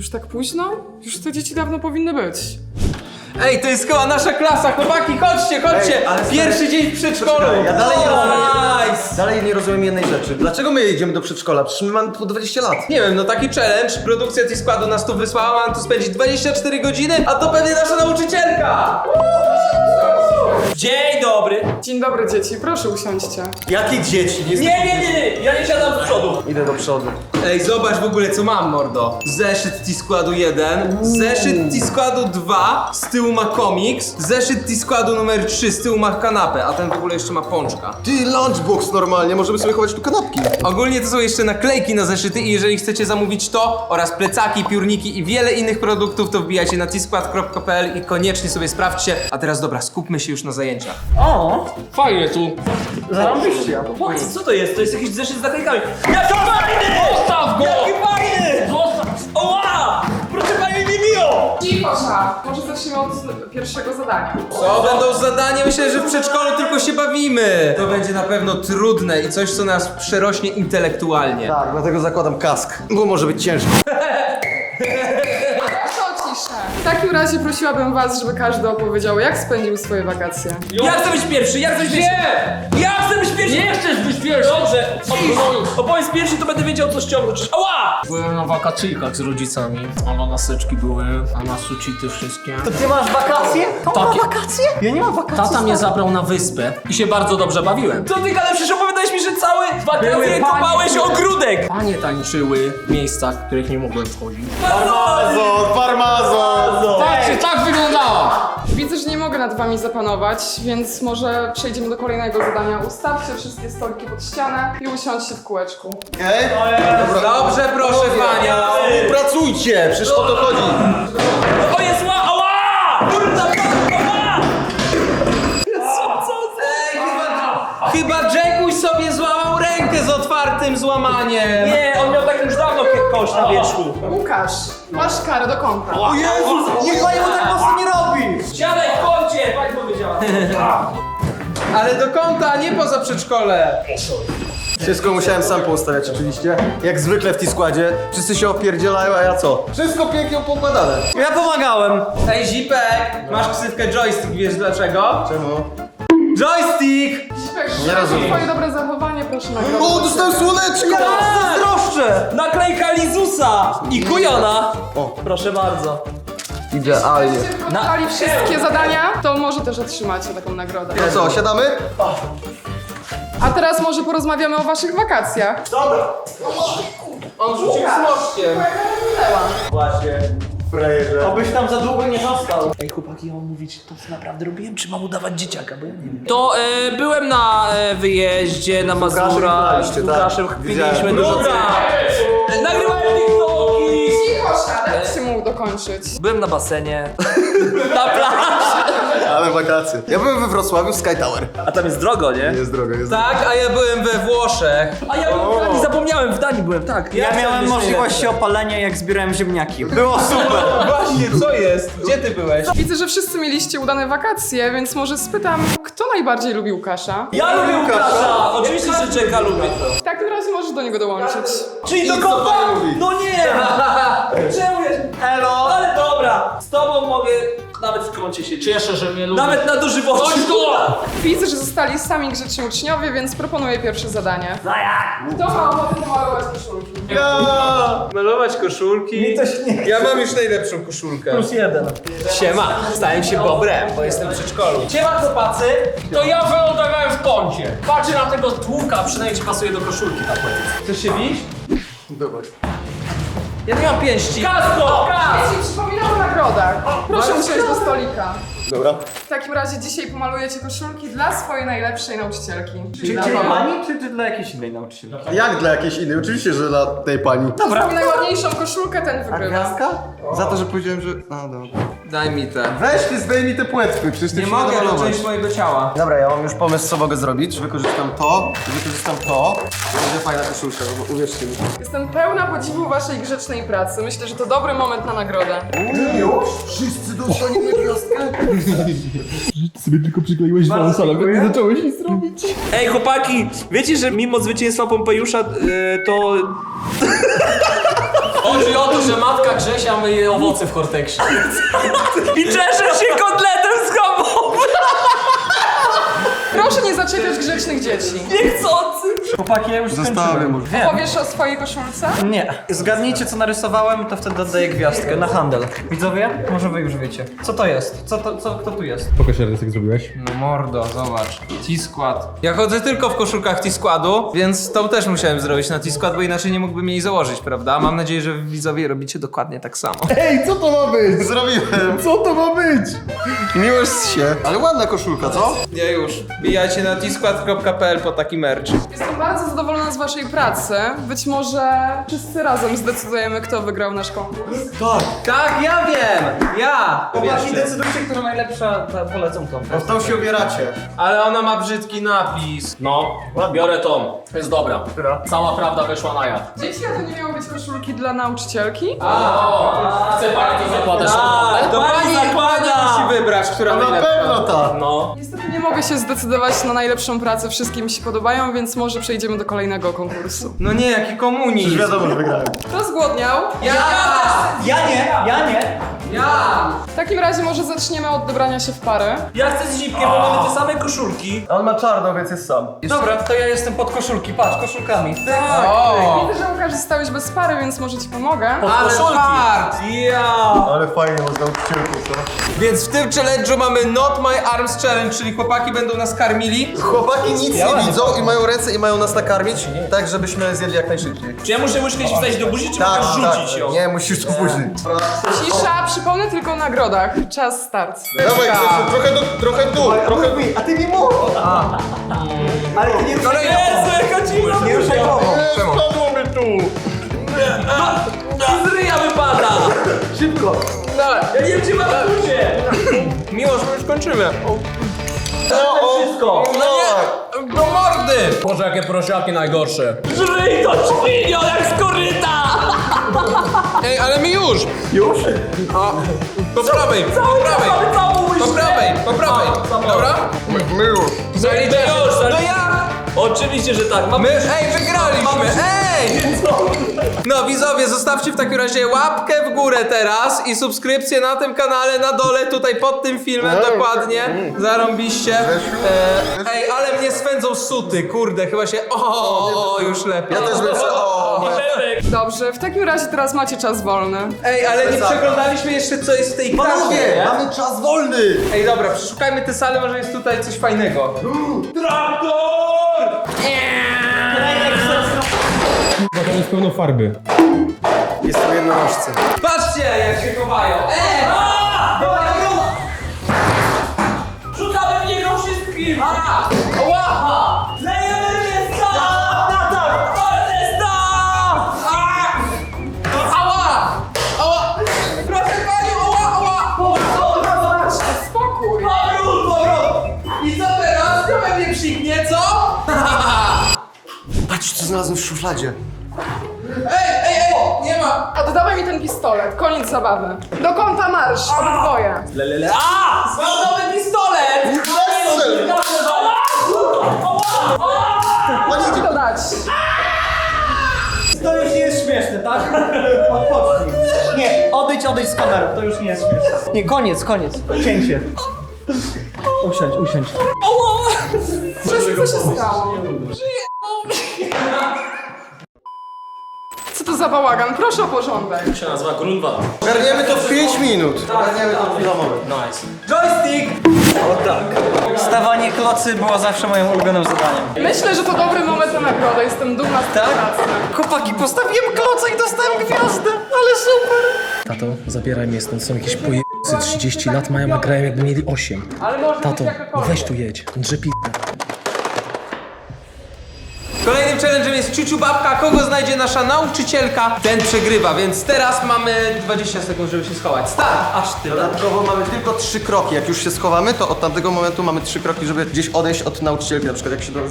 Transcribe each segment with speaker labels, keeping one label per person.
Speaker 1: Już tak późno? Już te dzieci dawno powinny być.
Speaker 2: Ej, to jest chyba nasza klasa, chłopaki, chodźcie!
Speaker 3: Ej, ale
Speaker 2: Pierwszy dzień w przedszkolu!
Speaker 3: Ja dalej nie rozumiem.
Speaker 2: Nice!
Speaker 3: Dalej nie rozumiem jednej rzeczy. Dlaczego my jedziemy do przedszkola? Przecież my mamy po 20 lat.
Speaker 2: Nie wiem, no taki challenge, produkcja T-Składu nas tu wysłała, mam tu spędzić 24 godziny, a to pewnie nasza nauczycielka!
Speaker 4: Dzień dobry!
Speaker 1: Dzień dobry dzieci, proszę usiądźcie.
Speaker 3: Jakie dzieci?
Speaker 4: Nie, ja nie siadam z przodu.
Speaker 3: Idę do przodu.
Speaker 2: Ej, zobacz w ogóle co mam, mordo. Zeszyt T-Składu 1, zeszyt T-Składu 2, z tyłu ma komiks, zeszyt T-Składu numer 3, z tyłu ma kanapę, a ten w ogóle jeszcze ma pączka.
Speaker 3: Ty, lunchbox normalnie, możemy sobie chować tu kanapki.
Speaker 2: Ogólnie to są jeszcze naklejki na zeszyty i jeżeli chcecie zamówić to oraz plecaki, piórniki i wiele innych produktów, to wbijajcie na tskład.pl i koniecznie sobie sprawdźcie. A teraz dobra, skupmy się już na zajęciach.
Speaker 4: O!
Speaker 5: Fajnie tu.
Speaker 3: Zarobiście.
Speaker 4: Co to jest? To jest jakiś zeszyt z naklejkami. Jaki fajny!
Speaker 5: Zostaw go!
Speaker 4: Jaki fajny!
Speaker 5: Zostaw!
Speaker 4: Oła! Proszę pani, nie biją!
Speaker 1: Cicho, może zacznijmy od pierwszego zadania.
Speaker 2: Co będą zadania? Myślę, że w przedszkolu tylko się bawimy. To będzie na pewno trudne i coś, co nas przerośnie intelektualnie.
Speaker 3: Tak, dlatego zakładam kask, bo może być ciężko.
Speaker 1: To ciszę. W takim razie prosiłabym was, żeby każdy opowiedział, jak spędził swoje wakacje.
Speaker 4: Ja chcę być pierwszy, ja chcę być pierwszy! Ja chcę być pierwszy!
Speaker 5: Nie chcesz być pierwszy!
Speaker 4: Dobrze, opowiedz pierwszy, to będę wiedział co ściągnąć. Ała!
Speaker 5: Byłem na wakacyjkach z rodzicami, a na naseczki były, a na sucity wszystkie.
Speaker 6: To ty masz wakacje? To ma
Speaker 5: Takie-
Speaker 6: wakacje? Ja nie mam wakacji.
Speaker 5: Tata mnie zabrał na wyspę i się bardzo dobrze bawiłem.
Speaker 4: Co ty gadałeś? Przecież opowiadałeś mi, że cały wakacje
Speaker 5: Były
Speaker 4: kopałeś
Speaker 5: panie-
Speaker 4: ogródek!
Speaker 5: Panie tańczyły w miejscach, w których nie mogłem wchodzić.
Speaker 3: Parmazon!
Speaker 5: Patrzcie, tak wyglądała!
Speaker 1: Widzę, że nie mogę nad wami zapanować, więc może przejdziemy do kolejnego zadania. Ustawcie wszystkie stoliki pod ścianę i usiądźcie w kółeczku.
Speaker 3: Okej?
Speaker 2: Dobrze, proszę Wania.
Speaker 3: Pracujcie, przecież o to chodzi.
Speaker 4: O jest ła! Ała! Kurna, ała!
Speaker 2: Chyba Jackuś sobie złamał rękę z otwartym złamaniem.
Speaker 4: Nie, on miał tak już dawno kość na wierzchu.
Speaker 1: Łukasz, masz karę do kąta.
Speaker 3: O Jezus, niech pani mu tak mocno nie robi!
Speaker 4: Siadaj w kącie, pani powiedziała.
Speaker 2: Ale do kąta, a nie poza przedszkole.
Speaker 3: Wszystko musiałem sam poustawiać oczywiście. Jak zwykle w T-Składzie. Wszyscy się opierdzielają, a ja co? Wszystko pięknie poukładane.
Speaker 6: Ja pomagałem.
Speaker 2: Ej, Zipek, masz ksywkę joystick, wiesz dlaczego?
Speaker 3: Czemu?
Speaker 2: Joystick!
Speaker 1: Zipek,
Speaker 6: Nie rozumiem.
Speaker 1: twoje dobre zachowanie proszę nagrodzić.
Speaker 3: O, dostałem słoneczko!
Speaker 6: Zazdroszczę.
Speaker 4: Naklejka Lizusa i Kujona.
Speaker 3: O.
Speaker 4: Proszę bardzo.
Speaker 3: Idealnie.
Speaker 1: Jeśli wykonali wszystkie zadania, to może też otrzymacie taką nagrodę.
Speaker 3: No co, siadamy?
Speaker 1: A teraz może porozmawiamy o waszych wakacjach.
Speaker 2: On rzucił smoczkiem.
Speaker 4: Właśnie.
Speaker 3: Frajerze.
Speaker 6: Obyś tam za długo nie został.
Speaker 4: Ej chłopaki, ja mam mówić to co naprawdę robiłem, czy mam udawać dzieciaka, bo ja nie wiem. To byłem na wyjeździe na Mazurach,
Speaker 3: graliście,
Speaker 4: z Łukaszem
Speaker 3: tak.
Speaker 4: chwililiśmy
Speaker 3: Widziałem.
Speaker 4: dużo. Nagrywałem TikToki!
Speaker 1: Cicho, dajcie mu dokończyć.
Speaker 4: Byłem na basenie, na plaży.
Speaker 3: Ale wakacje. Ja byłem we Wrocławiu w Sky Tower.
Speaker 4: A tam jest drogo, nie?
Speaker 3: Jest drogo, jest drogo.
Speaker 2: Tak, a ja byłem we Włoszech.
Speaker 4: A ja byłem w Danii, zapomniałem, w Danii byłem, tak.
Speaker 6: Ja miałem
Speaker 4: chciałem być
Speaker 6: możliwość
Speaker 4: najlepszy.
Speaker 6: opalenia, jak zbierałem ziemniaki. Było super.
Speaker 2: Właśnie, co jest? Gdzie ty byłeś?
Speaker 1: Widzę, że wszyscy mieliście udane wakacje, więc może spytam, kto najbardziej lubi Łukasza?
Speaker 4: Ja lubię Łukasza! Oczywiście, że Jacka lubię.
Speaker 1: W takim razie możesz do niego dołączyć.
Speaker 4: Czyli do kota? No nie! Czemu ja...
Speaker 6: Elo.
Speaker 4: Ale dobra, z tobą mogę nawet w kącie się
Speaker 5: Cieszę, że mnie lubi.
Speaker 4: Nawet na dożywocie.
Speaker 5: Chodź tu!
Speaker 1: Widzę, że zostali sami grzeczni uczniowie, więc proponuję pierwsze zadanie. Kto ma ochotę pomalować koszulki?
Speaker 2: Malować koszulki. Ja mam już najlepszą koszulkę.
Speaker 6: +1.
Speaker 2: Siema, stałem się bobrem, bo jestem w przedszkolu.
Speaker 4: Siema chłopacy.
Speaker 5: To ja wylądowałem w kącie. Patrzę na tego tłuka, przynajmniej ci pasuje do koszulki tak powiem.
Speaker 2: Chcesz się bić?
Speaker 3: Dobra.
Speaker 2: Ja nie mam pięści.
Speaker 4: Kasko!
Speaker 1: Dzieci, przypominam o nagrodach. Proszę usiąść do stolika.
Speaker 3: Dobra.
Speaker 1: W takim razie dzisiaj pomalujecie koszulki dla swojej najlepszej nauczycielki. Czyli dla
Speaker 6: Dla
Speaker 1: Pawła.
Speaker 6: pani, czy dla jakiejś innej nauczycielki?
Speaker 3: Jak dla jakiejś innej? Oczywiście, że dla tej pani.
Speaker 1: Kto zrobi najładniejszą koszulkę, ten wygrywa.
Speaker 3: Gwiazdka? Za to, że powiedziałem, że... A, dobra.
Speaker 2: Daj mi te.
Speaker 3: Weź ty, zdejmij te płetwy, przecież ty
Speaker 2: Nie
Speaker 3: się
Speaker 2: mogę, to
Speaker 3: namalować.
Speaker 2: część mojego ciała.
Speaker 3: Dobra, ja mam już pomysł, co mogę zrobić. Wykorzystam to, wykorzystam to. Będzie fajna koszulka, bo uwierzcie mi.
Speaker 1: Jestem pełna podziwu waszej grzecznej pracy. Myślę, że to dobry moment na nagrodę.
Speaker 3: Już? Wszyscy dostali gwiazdkę?
Speaker 4: Ej chłopaki, wiecie, że mimo zwycięstwa Pompejusza to
Speaker 5: Chodzi o to, że matka Grzesia myje owoce w Horteksie.
Speaker 4: I cieszę się kotletem schabowym!
Speaker 1: Proszę nie zaczepiać grzecznych dzieci.
Speaker 4: Niechcący!
Speaker 6: Chłopaki, ja już
Speaker 3: Zostawię
Speaker 6: skończyłem.
Speaker 3: może.
Speaker 6: Wiem.
Speaker 1: Powiesz o swojej koszulce?
Speaker 6: Nie. Zgadnijcie, co narysowałem, to wtedy oddaję gwiazdkę na handel. Widzowie? Może wy już wiecie. Co to jest? Kto tu jest?
Speaker 7: Pokaż raz, jak zrobiłeś.
Speaker 2: No mordo, zobacz. T-Skład. Ja chodzę tylko w koszulkach T-Składu, więc tą też musiałem zrobić na T-Skład, bo inaczej nie mógłbym jej założyć, prawda? Mam nadzieję, że wy widzowie robicie dokładnie tak samo.
Speaker 3: Ej, co to ma być? Zrobiłem. Co to ma być? Miłość się. Ale ładna koszulka, co?
Speaker 2: Ja już. Bijajcie na tskład.pl po taki merch.
Speaker 1: Jestem bardzo zadowolona z waszej pracy. Być może wszyscy razem zdecydujemy, kto wygrał nasz konkurs.
Speaker 2: Tak, ja wiem! Ja!
Speaker 6: Chłopaki, decydujcie, która najlepsza, polecą tą.
Speaker 3: W tą się ubieracie.
Speaker 2: Ale ona ma brzydki napis.
Speaker 5: No, biorę tą. Jest dobra. Cała prawda wyszła na jaw.
Speaker 1: Dzieci, a to nie miały być koszulki dla nauczycielki?
Speaker 5: Chce pani to zakładać
Speaker 2: To pani musi wybrać, która
Speaker 3: Na
Speaker 2: najlepsza.
Speaker 3: pewno ta.
Speaker 5: No.
Speaker 1: Niestety nie mogę się zdecydować na najlepszą pracę, wszystkie mi się podobają, więc może przejdziemy do kolejnego konkursu.
Speaker 2: No nie, jaki
Speaker 3: Już
Speaker 2: komunizm.
Speaker 3: wiadomo, że wygrałem.
Speaker 1: Kto zgłodniał?
Speaker 2: Ja!
Speaker 6: Ja nie!
Speaker 2: Ja!
Speaker 1: W takim razie może zaczniemy od dobrania się w pary.
Speaker 4: Ja chcę z Zipkiem, bo mamy te same koszulki.
Speaker 3: On ma czarną, więc jest sam.
Speaker 6: Dobra, to ja jestem pod koszulki, patrz, koszulkami.
Speaker 2: O!
Speaker 1: Widzę, że Łukasz zostałeś bez pary, więc może ci pomogę.
Speaker 2: Ale fart! Ja!
Speaker 3: Ale fajnie, można nauczycielką, co?
Speaker 2: Więc w tym challenge'u mamy Not My Arms Challenge, czyli chłopaki będą nas karmili.
Speaker 3: Chłopaki nic nie widzą i mają ręce i mają nas nakarmić, tak żebyśmy zjedli jak najszybciej.
Speaker 4: Czy ja muszę łyżkę ci wstać do buzi, czy
Speaker 3: Tak,
Speaker 4: możesz rzucić ją?
Speaker 3: Nie, musisz to później.
Speaker 1: Cisza, przypomnę tylko o nagrodach. Czas start.
Speaker 3: Dawaj, Grzesiu, trochę dół, trochę... A ty mi mów!
Speaker 6: Ale ty nie
Speaker 4: Jezu, jaka dziwna
Speaker 6: Nie ruszaj głową.
Speaker 3: Spadło mi tu!
Speaker 4: z ryja wypada!
Speaker 6: Szybko.
Speaker 4: Ja nie wiem, czy mam buzię!
Speaker 2: Miłosz, my już kończymy.
Speaker 6: Wszystko.
Speaker 2: No nie! Do mordy!
Speaker 5: Boże, jakie prosiaki najgorsze.
Speaker 4: Żyj to świnio, jak z koryta!
Speaker 2: Ej, ale mi już!
Speaker 6: Już?
Speaker 2: Po prawej, po prawej!
Speaker 4: Mamy całą łyżkę!
Speaker 2: Po prawej! Dobra?
Speaker 3: My już.
Speaker 2: Zaliczę już! No ja!
Speaker 4: Oczywiście, że tak.
Speaker 2: My, wygraliśmy! Ej! No widzowie, zostawcie w takim razie łapkę w górę teraz i subskrypcję na tym kanale na dole, tutaj pod tym filmem, dokładnie. Zarąbiście. Ej, ale mnie swędzą suty, kurde, chyba się... O, już lepiej.
Speaker 3: Ja też bym się...
Speaker 1: Dobrze, w takim razie teraz macie czas wolny.
Speaker 2: Ej, ale nie przeglądaliśmy jeszcze, co jest w tej
Speaker 3: Panowie,
Speaker 2: kracie.
Speaker 3: mamy czas wolny!
Speaker 2: Ej, dobra, przeszukajmy tę salę, może jest tutaj coś fajnego.
Speaker 7: Tam jest pełno farby.
Speaker 3: Jest tu jednorożce.
Speaker 2: Patrzcie, jak się chowają. Ej!
Speaker 4: Rzucamy w niego wszystkim! Łaha! Lejemy Ernesta! Ernesta!
Speaker 2: Ała! Ała! Proszę panią, ała!
Speaker 1: Spokój.
Speaker 2: I co teraz? To we mnie psiknie, co?
Speaker 3: Patrz, co znalazłem w szufladzie.
Speaker 2: Ej! Nie ma!
Speaker 1: Oddawaj mi ten pistolet, koniec zabawy. Do kąta marsz, obydwoje.
Speaker 2: Mam nowy pistolet!
Speaker 1: Możesz to dać.
Speaker 6: To już nie jest śmieszne, tak? Odpocznij. Nie, odejdź z kamerą, to już nie jest śmieszne. Nie, koniec. Cięcie. Usiądź.
Speaker 1: Co się stało? Co to za bałagan? Proszę o porządek.
Speaker 5: To się nazywa Grunwald.
Speaker 3: Ogarniemy to w 5 minut. Ogarniemy to w chwilę moment.
Speaker 5: Nice.
Speaker 2: Joystick!
Speaker 6: O tak. Stawanie klocy było zawsze moim ulubionym zadaniem.
Speaker 1: Myślę, że to dobry moment na nagrodę. Jestem dumna z tej
Speaker 6: Tak?
Speaker 1: pracy.
Speaker 6: Chłopaki, postawiłem kloca i dostałem gwiazdę, ale super.
Speaker 8: Tato, zabieraj mnie stąd, są jakieś pojebcy 30 lat mają, a grają jakby mieli 8.
Speaker 1: Ale może być
Speaker 8: Tato,
Speaker 1: jakakolwiek.
Speaker 8: weź tu jedź, drzepi.
Speaker 2: Kolejnym challenge'em jest Ciuciu Babka. Kogo znajdzie nasza nauczycielka, ten przegrywa, więc teraz mamy 20 sekund, żeby się schować. Start! Aż tyle.
Speaker 3: Dodatkowo mamy tylko 3 kroki. Jak już się schowamy, to od tamtego momentu mamy 3 kroki, żeby gdzieś odejść od nauczycielki, na przykład jak się do nas...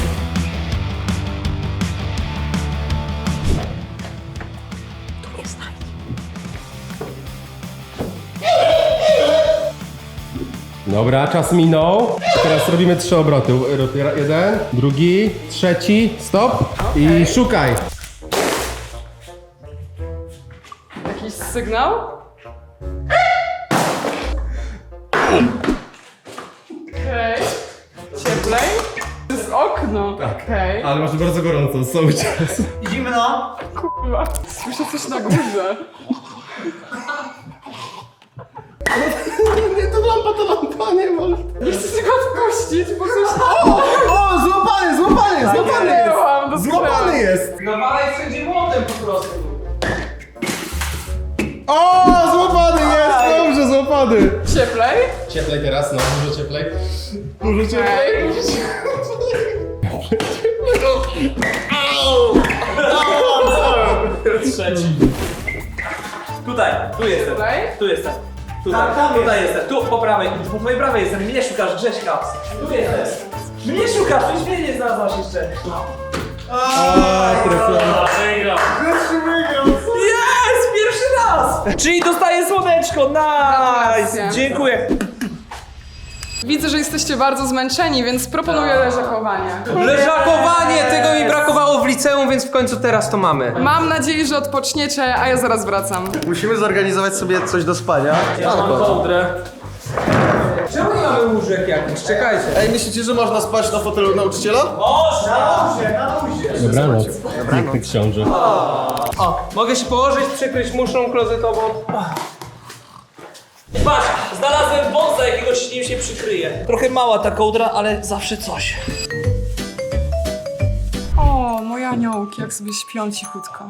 Speaker 7: Dobra, czas minął. Teraz robimy 3 obroty. Jeden, drugi, trzeci, stop i szukaj.
Speaker 1: jakiś sygnał? Okej. Cieplej? To jest okno. Okej.
Speaker 7: Ale masz bardzo gorąco, cały czas.
Speaker 6: Zimno.
Speaker 1: Kurwa. Słyszę coś na górze.
Speaker 3: Nie, to lampa, nie może.
Speaker 1: Nie chcę tego odpuścić, bo coś...
Speaker 3: O, złapany
Speaker 1: Miałam do
Speaker 3: Złapany jest!
Speaker 2: Nawalaj wszędzie młotem po prostu.
Speaker 3: O, złapany jest! Dobrze, złapany!
Speaker 1: Cieplej?
Speaker 7: Cieplej teraz, no, dużo cieplej.
Speaker 1: Okej.
Speaker 4: Tutaj, tu jestem.
Speaker 1: Cieplej?
Speaker 4: Tu jestem. Tutaj jestem. Tu, po prawej. Po mojej prawej jestem. Mnie szukasz, Grześka. Tu jestem. Mnie szukasz, już mnie nie znalazłaś jeszcze.
Speaker 5: Wygrał.
Speaker 4: Jest! Pierwszy raz! Czyli dostaję słoneczko,
Speaker 1: Gratulacje.
Speaker 4: nice! Dziękuję.
Speaker 1: Widzę, że jesteście bardzo zmęczeni, więc proponuję leżakowanie.
Speaker 2: Leżakowanie! Tego mi brakowało w liceum, więc w końcu teraz to mamy.
Speaker 1: Mam nadzieję, że odpoczniecie, a ja zaraz wracam.
Speaker 3: Musimy zorganizować sobie coś do spania.
Speaker 5: Ja mam kołdrę.
Speaker 2: Czemu nie mamy łóżek jakichś? Czekajcie.
Speaker 3: Ej, myślicie, że można spać na fotelu nauczyciela?
Speaker 7: Dobranoc. Piękny książę.
Speaker 2: Mogę się położyć, przykryć muszlą klozetową.
Speaker 4: Patrz, znalazłem wąsa jakiegoś, nim się przykryje. Trochę mała ta kołdra, ale zawsze coś.
Speaker 1: O, moje aniołki, jak sobie śpią cichutko.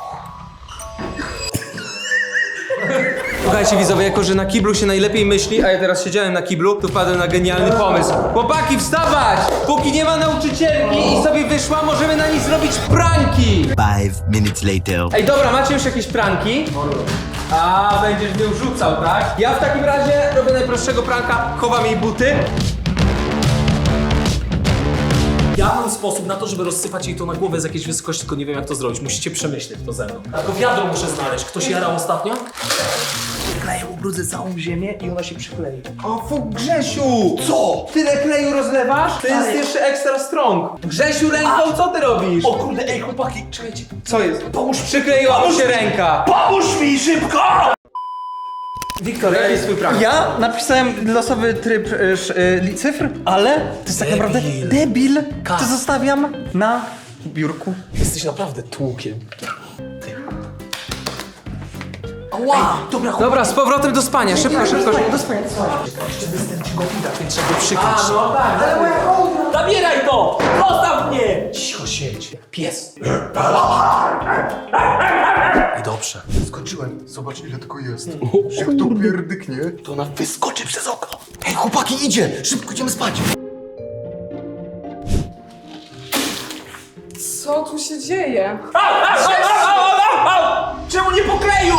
Speaker 2: Słuchajcie widzowie, jako że na kiblu się najlepiej myśli, a ja teraz siedziałem na kiblu, to wpadłem na genialny pomysł. Chłopaki, wstawać! Póki nie ma nauczycielki i sobie wyszła, możemy na niej zrobić pranki!
Speaker 9: 5 minutes later.
Speaker 2: Ej, dobra, macie już jakieś pranki? A, będziesz mnie rzucał, tak? Ja w takim razie robię najprostszego pranka, chowam jej buty.
Speaker 5: Ja mam sposób na to, żeby rozsypać jej to na głowę z jakiejś wysokości, tylko nie wiem jak to zrobić. Musicie przemyśleć to ze mną. Tylko wiadro muszę znaleźć. Ktoś jarał ostatnio?
Speaker 4: Kleję, ubrudzę całą ziemię i ona się przyklei.
Speaker 2: O, fu, Grzesiu! Co? Tyle kleju rozlewasz? To jest jeszcze extra strong. Grzesiu, ręką, co ty robisz?
Speaker 4: O kurde, ej chłopaki, czekajcie.
Speaker 2: Co jest? Przykleiła mu się ręka.
Speaker 4: Pomóż mi szybko!
Speaker 2: Wiktor, jaki jest twój prank?
Speaker 6: Ja napisałem losowy tryb cyfr, ale to jest tak naprawdę debil. To zostawiam na biurku.
Speaker 5: Jesteś naprawdę tłukiem.
Speaker 4: Ała! Dobra,
Speaker 2: Dobra, z powrotem do spania, szybko, szybko, szybko.
Speaker 5: Więc trzeba go przykryć.
Speaker 2: No tak,
Speaker 4: zabieraj to! Zostaw mnie!
Speaker 5: Cicho siedź, jak pies. I dobrze.
Speaker 3: Skoczyłem. Zobacz, ile tylko jest. Jak to pierdyknie.
Speaker 4: To ona wyskoczy przez okno.
Speaker 3: Ej, chłopaki, idzie! Szybko idziemy spać.
Speaker 1: Co tu się dzieje?
Speaker 4: Czemu nie pokleju?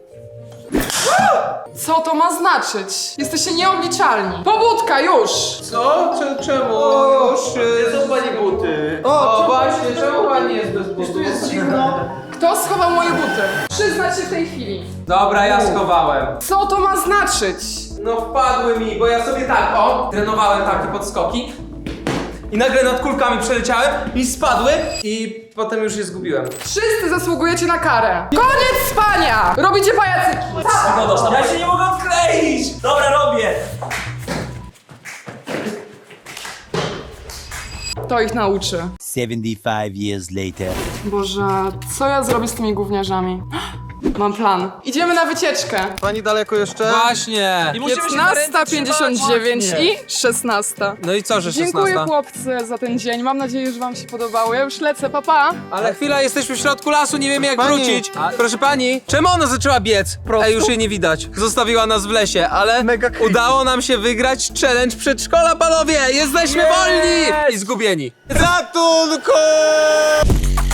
Speaker 1: Co to ma znaczyć? Jesteście nieobliczalni. Pobudka, już!
Speaker 2: Co? Czemu? Już?
Speaker 3: Są pani buty.
Speaker 2: O, właśnie, czemu pan nie jest bez butów?
Speaker 3: Tu jest zimno.
Speaker 1: Kto schował moje buty? Przyznać się w tej chwili.
Speaker 2: Dobra, ja schowałem.
Speaker 1: Co to ma znaczyć?
Speaker 2: No wpadły mi, bo ja sobie tak, o, trenowałem takie podskoki i nagle nad kulkami przeleciałem i spadły i potem już je zgubiłem.
Speaker 1: Wszyscy zasługujecie na karę. Koniec spania! Robicie pajacyki.
Speaker 4: Ja się nie mogę odkleić! Dobra, robię!
Speaker 1: To ich nauczy.
Speaker 9: 75 years later.
Speaker 1: Boże, co ja zrobię z tymi gówniarzami? Mam plan. Idziemy na wycieczkę.
Speaker 3: Pani daleko jeszcze?
Speaker 2: Właśnie.
Speaker 1: 15:59 i 16.
Speaker 2: No i co, że 16?
Speaker 1: Dziękuję chłopcy za ten dzień. Mam nadzieję, że wam się podobało. Ja już lecę, papa.
Speaker 2: Ale chwila, jesteśmy w środku lasu, nie wiemy jak
Speaker 3: Pani.
Speaker 2: wrócić. Proszę pani, czemu ona zaczęła biec? Ej, już jej nie widać. Zostawiła nas w lesie, ale
Speaker 3: Mega creepy.
Speaker 2: udało nam się wygrać challenge przedszkola, panowie! Jesteśmy wolni! I zgubieni.
Speaker 3: Ratunku!